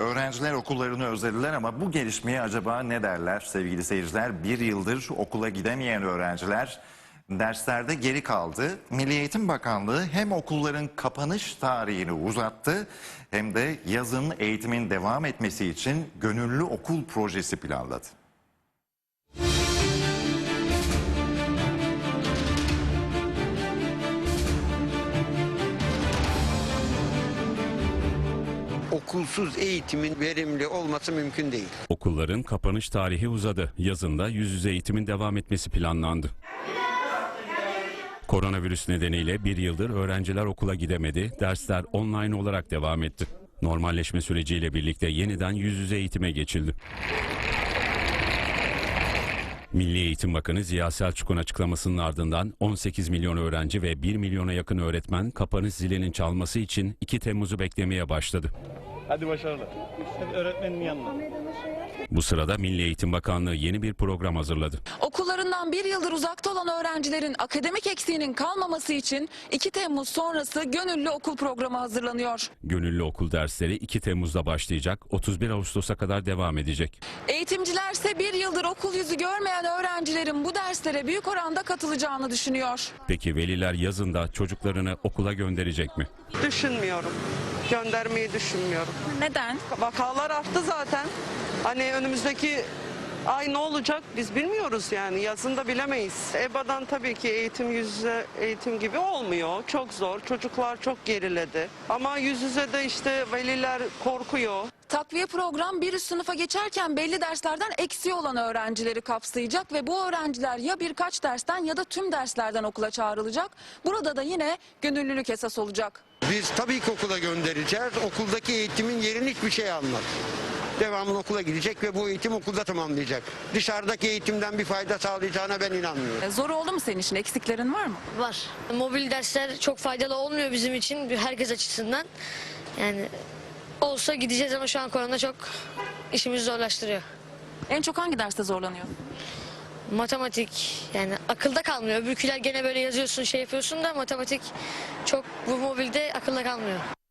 Öğrenciler okullarını özlediler ama bu gelişmeye acaba ne derler sevgili seyirciler? Bir yıldır okula gidemeyen öğrenciler derslerde geri kaldı. Milli Eğitim Bakanlığı hem okulların kapanış tarihini uzattı hem de yazın eğitimin devam etmesi için gönüllü okul projesi planladı. Okulsuz eğitimin verimli olması mümkün değil. Okulların kapanış tarihi uzadı. Yazında yüz yüze eğitimin devam etmesi planlandı. Koronavirüs nedeniyle bir yıldır öğrenciler okula gidemedi, dersler online olarak devam etti. Normalleşme süreciyle birlikte yeniden yüz yüze eğitime geçildi. Milli Eğitim Bakanı Ziya Selçuk'un açıklamasının ardından 18 milyon öğrenci ve 1 milyona yakın öğretmen kapanış zilinin çalması için 2 Temmuz'u beklemeye başladı. Hadi başarılar. Hadi öğretmenin yanına. Bu sırada Milli Eğitim Bakanlığı yeni bir program hazırladı. Okullarından bir yıldır uzakta olan öğrencilerin akademik eksiğinin kalmaması için 2 Temmuz sonrası gönüllü okul programı hazırlanıyor. Gönüllü okul dersleri 2 Temmuz'da başlayacak, 31 Ağustos'a kadar devam edecek. Eğitimcilerse bir yıldır okul yüzü görmeyen öğrencilerin bu derslere büyük oranda katılacağını düşünüyor. Peki veliler yazında çocuklarını okula gönderecek mi? Düşünmüyorum. Göndermeyi düşünmüyorum. Neden? Vakalar arttı zaten. Hani önümüzdeki ay ne olacak biz bilmiyoruz yani. Yazında bilemeyiz. EBA'dan tabii ki eğitim yüz yüze eğitim gibi olmuyor. Çok zor. Çocuklar çok geriledi. Ama yüz yüze de işte veliler korkuyor. Takviye program bir üst sınıfa geçerken belli derslerden eksiği olan öğrencileri kapsayacak ve bu öğrenciler ya birkaç dersten ya da tüm derslerden okula çağrılacak. Burada da yine gönüllülük esas olacak. Biz tabii ki okula göndereceğiz. Okuldaki eğitimin yerini hiçbir şey almaz. Devamlı okula gidecek ve bu eğitim okulda tamamlayacak. Dışarıdaki eğitimden bir fayda sağlayacağına ben inanmıyorum. Zor oldu mu senin için? Eksiklerin var mı? Var. Mobil dersler çok faydalı olmuyor bizim için, herkes açısından. Yani olsa gideceğiz ama şu an korona çok işimizi zorlaştırıyor. En çok hangi derste zorlanıyor? Matematik, yani akılda kalmıyor. Öbürküler gene böyle yazıyorsun, şey yapıyorsun da matematik çok bu mobilde akılda kalmıyor.